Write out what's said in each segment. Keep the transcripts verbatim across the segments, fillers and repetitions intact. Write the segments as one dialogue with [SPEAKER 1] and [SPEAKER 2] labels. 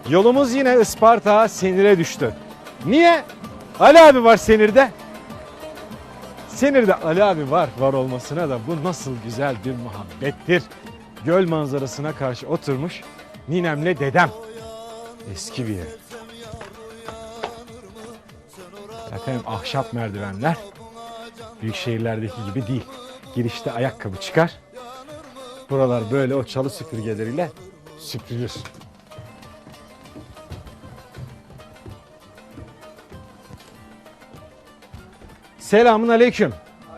[SPEAKER 1] Yolumuz yine Isparta Senir'e düştü. Niye? Ali abi var Senir'de. Senir'de Ali abi var. Var olmasına da bu nasıl güzel bir muhabbettir. Göl manzarasına karşı oturmuş ninemle dedem. Eski bir ev. Efendim ahşap merdivenler. Büyük şehirlerdeki gibi değil. Girişte ayakkabı çıkar. Buralar böyle o çalı süpürgeleriyle süpürülür. Selamun aleyküm.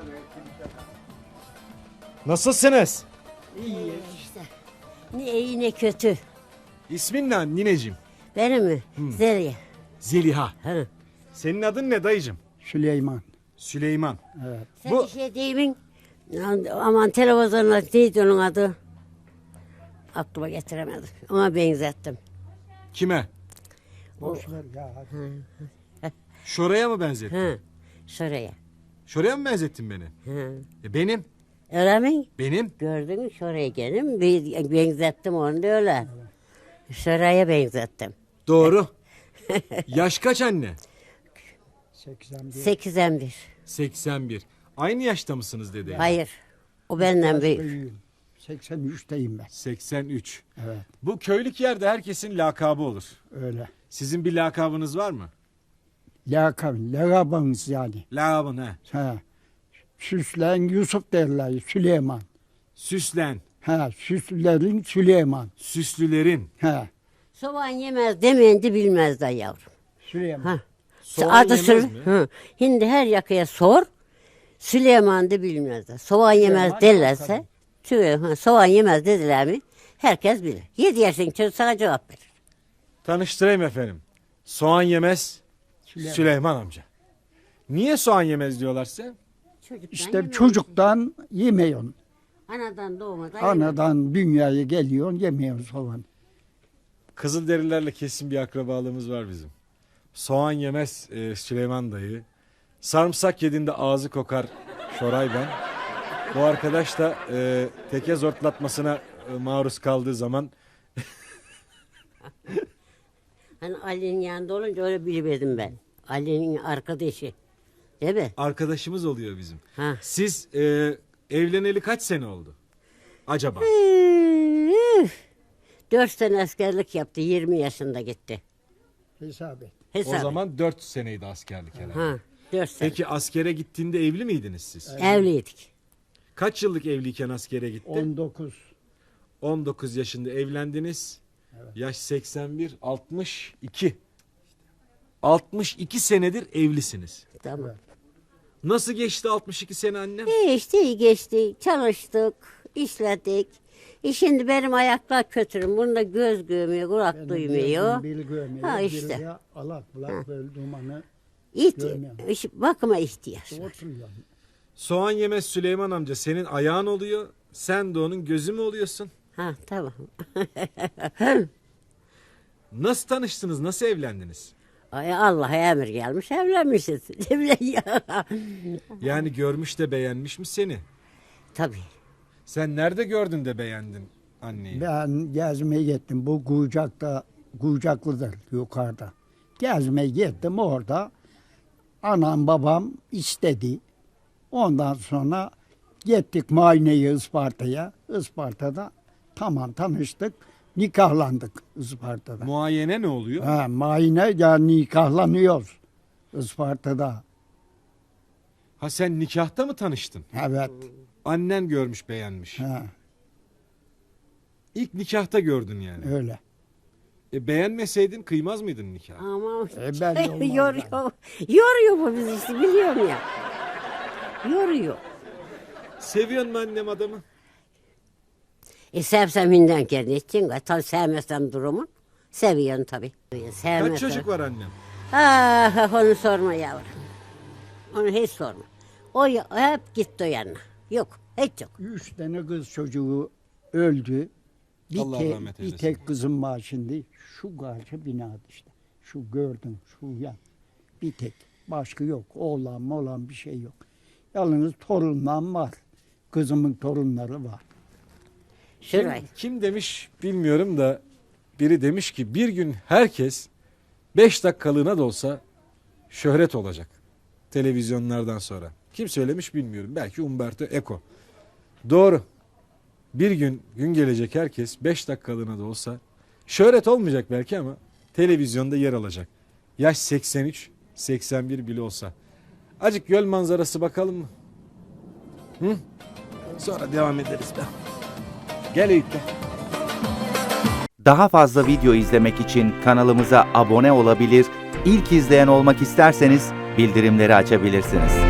[SPEAKER 1] Nasılsınız?
[SPEAKER 2] İyi işte. Ne iyi ne kötü.
[SPEAKER 1] İsmin ne nineciğim?
[SPEAKER 2] Benim mi? Zeliha.
[SPEAKER 1] Zeliha.
[SPEAKER 2] Ha.
[SPEAKER 1] Senin adın ne dayıcım?
[SPEAKER 3] Süleyman.
[SPEAKER 1] Süleyman.
[SPEAKER 3] Evet.
[SPEAKER 2] Sen
[SPEAKER 1] Bu-
[SPEAKER 2] bir şey deyimin. Aman televizyonda neydi onun adı? Aklıma getiremedim. Ona benzettim.
[SPEAKER 1] Kime?
[SPEAKER 3] Boş ver ya.
[SPEAKER 1] Şoraya mı benzettin?
[SPEAKER 2] Ha. Şuraya.
[SPEAKER 1] Şoraya mı benzettin beni?
[SPEAKER 2] Ha.
[SPEAKER 1] E benim.
[SPEAKER 2] Öyle mi?
[SPEAKER 1] Benim.
[SPEAKER 2] Gördün mü şuraya gelin. Bir benzettim onu da öyle. Şuraya benzettim.
[SPEAKER 1] Doğru. Yaş kaç anne?
[SPEAKER 3] seksen bir.
[SPEAKER 2] Sekizden bir.
[SPEAKER 1] seksen bir. Aynı yaşta mısınız dede?
[SPEAKER 2] Hayır. O benden büyük.
[SPEAKER 3] Büyüğüm. seksen üçteyim ben.
[SPEAKER 1] seksen üç.
[SPEAKER 3] Evet.
[SPEAKER 1] Bu köylük yerde herkesin lakabı olur.
[SPEAKER 3] Öyle.
[SPEAKER 1] Sizin bir lakabınız var mı?
[SPEAKER 3] Lakab, lakabımız yani.
[SPEAKER 1] Lakabın he.
[SPEAKER 3] Ha. Süslen Yusuf derler. Süleyman.
[SPEAKER 1] Süslen.
[SPEAKER 3] Ha. Süslerin Süleyman.
[SPEAKER 1] Süslülerin.
[SPEAKER 3] Ha.
[SPEAKER 2] Soğan yemez demeyince bilmez de yavrum.
[SPEAKER 3] Süleyman.
[SPEAKER 2] Ha.
[SPEAKER 1] Soğan
[SPEAKER 2] Adı
[SPEAKER 1] yemez
[SPEAKER 2] Sül-
[SPEAKER 1] mi?
[SPEAKER 2] Hı. Şimdi her yakaya sor. Süleyman da bilmezler. Soğan yemez
[SPEAKER 3] Süleyman
[SPEAKER 2] derlerse.
[SPEAKER 3] yok
[SPEAKER 2] Süleyman, soğan yemez dediler mi? Herkes bilir. Yedi yaşındaki çocuk sana cevap verir.
[SPEAKER 1] Tanıştırayım efendim. Soğan yemez
[SPEAKER 3] Süleyman.
[SPEAKER 1] Süleyman amca. Niye soğan yemez diyorlar size?
[SPEAKER 2] Çocuktan
[SPEAKER 3] İşte
[SPEAKER 2] yemez.
[SPEAKER 3] çocuktan yemiyorsun.
[SPEAKER 2] Anadan doğmadan yemez.
[SPEAKER 3] Anadan dünyaya geliyorsun yemiyorsun soğan.
[SPEAKER 1] Kızılderililerle kesin bir akrabalığımız var bizim. Soğan yemez e, Süleyman dayı. Sarımsak yediğinde ağzı kokar Şoray ben. Bu arkadaş da e, teke zortlatmasına e, maruz kaldığı zaman
[SPEAKER 2] Hani Ali'nin yanında olunca öyle biliverdim ben. Ali'nin arkadaşı. Değil mi?
[SPEAKER 1] arkadaşımız oluyor bizim.
[SPEAKER 2] Ha.
[SPEAKER 1] Siz e, evleneli kaç sene oldu? Acaba?
[SPEAKER 2] Üf. Dört sene askerlik yaptı. Yirmi yaşında gitti.
[SPEAKER 3] Hesap et.
[SPEAKER 2] Hesap.
[SPEAKER 1] O zaman dört seneydi askerlik herhalde.
[SPEAKER 2] Ha. Dört sene.
[SPEAKER 1] Peki askere gittiğinde evli miydiniz siz?
[SPEAKER 2] Evliydik.
[SPEAKER 1] Kaç yıllık evliyken askere gitti?
[SPEAKER 3] on dokuz.
[SPEAKER 1] on dokuz yaşında evlendiniz. Yaş seksen bir, altmış iki. altmış iki senedir evlisiniz.
[SPEAKER 2] Tamam.
[SPEAKER 1] Nasıl geçti altmış iki sene annem?
[SPEAKER 2] İyi işte iyi geçti. Çalıştık, işledik. E şimdi benim ayaklar kötürüm. Bunda göz görmüyor, kulak duymuyor.
[SPEAKER 3] Bil görmüyor.
[SPEAKER 2] Ha
[SPEAKER 3] işte.
[SPEAKER 2] işte.
[SPEAKER 3] Alak bulak böyle dumanı
[SPEAKER 2] İhti
[SPEAKER 3] görmüyor.
[SPEAKER 2] iş- bakıma ihtiyaç var.
[SPEAKER 3] oturuyor.
[SPEAKER 1] Soğan yemez Süleyman amca senin ayağın oluyor. Sen de onun gözü mü oluyorsun?
[SPEAKER 2] Ha tamam.
[SPEAKER 1] Nasıl tanıştınız? Nasıl evlendiniz?
[SPEAKER 2] Ay Allah'a emir gelmiş evlenmişiz.
[SPEAKER 1] Yani görmüş de beğenmiş mi seni?
[SPEAKER 2] Tabii.
[SPEAKER 1] Sen nerede gördün de beğendin anneyi?
[SPEAKER 3] Ben gezmeye gittim. Bu Gucak'ta, Gucaklı'dır yukarıda. Gezmeye gittim orada. Anam babam istedi. Ondan sonra gittik muayeneye Isparta'ya. Isparta'da tamam tanıştık. Nikahlandık Isparta'da.
[SPEAKER 1] Muayene ne oluyor?
[SPEAKER 3] Ha, muayene ya nikahlanıyoruz Isparta'da.
[SPEAKER 1] Ha sen nikahta mı tanıştın?
[SPEAKER 3] Evet.
[SPEAKER 1] Annen görmüş beğenmiş.
[SPEAKER 3] Ha,
[SPEAKER 1] İlk nikahta gördün yani.
[SPEAKER 3] öyle.
[SPEAKER 1] E beğenmeseydin kıymaz mıydın nikah?
[SPEAKER 2] Ama
[SPEAKER 3] E, belli olmaz
[SPEAKER 2] yoruyor. Yoruyor bu bizi işte biliyorum ya. Yoruyor.
[SPEAKER 1] Seviyor mu annem adamı?
[SPEAKER 2] E sevsem hinden kendi için. Tabii sevmesem durumu. Seviyorsun tabii. Sevmesem.
[SPEAKER 1] Kaç çocuk var annem?
[SPEAKER 2] Ah onu sorma yavrum. Onu hiç sorma. O ya- hep gitti o yanına. Yok hiç yok.
[SPEAKER 3] Üç tane kız çocuğu öldü. Bir,
[SPEAKER 1] Allah
[SPEAKER 3] te-
[SPEAKER 1] rahmet
[SPEAKER 3] bir
[SPEAKER 1] eylesin.
[SPEAKER 3] tek kızım var şimdi. Şu karşı binada işte. Şu gördüm şu yan. Bir tek. Başka yok. Oğlan moğlan bir şey yok. Yalnız torunlarım var. Kızımın torunları var.
[SPEAKER 2] Şurayı.
[SPEAKER 1] Kim demiş bilmiyorum da biri demiş ki bir gün herkes beş dakikalığına da olsa şöhret olacak televizyonlardan sonra. Kim söylemiş bilmiyorum. Belki Umberto Eco. Doğru. Bir gün gün gelecek herkes beş dakikalığına da olsa şöhret olmayacak belki ama televizyonda yer alacak. Yaş seksen üç seksen bir bile olsa. Acık göl manzarası bakalım mı? Hı? Sonra devam ederiz be. Gel Eyüp be.
[SPEAKER 4] Daha fazla video izlemek için kanalımıza abone olabilir, ilk izleyen olmak isterseniz bildirimleri açabilirsiniz.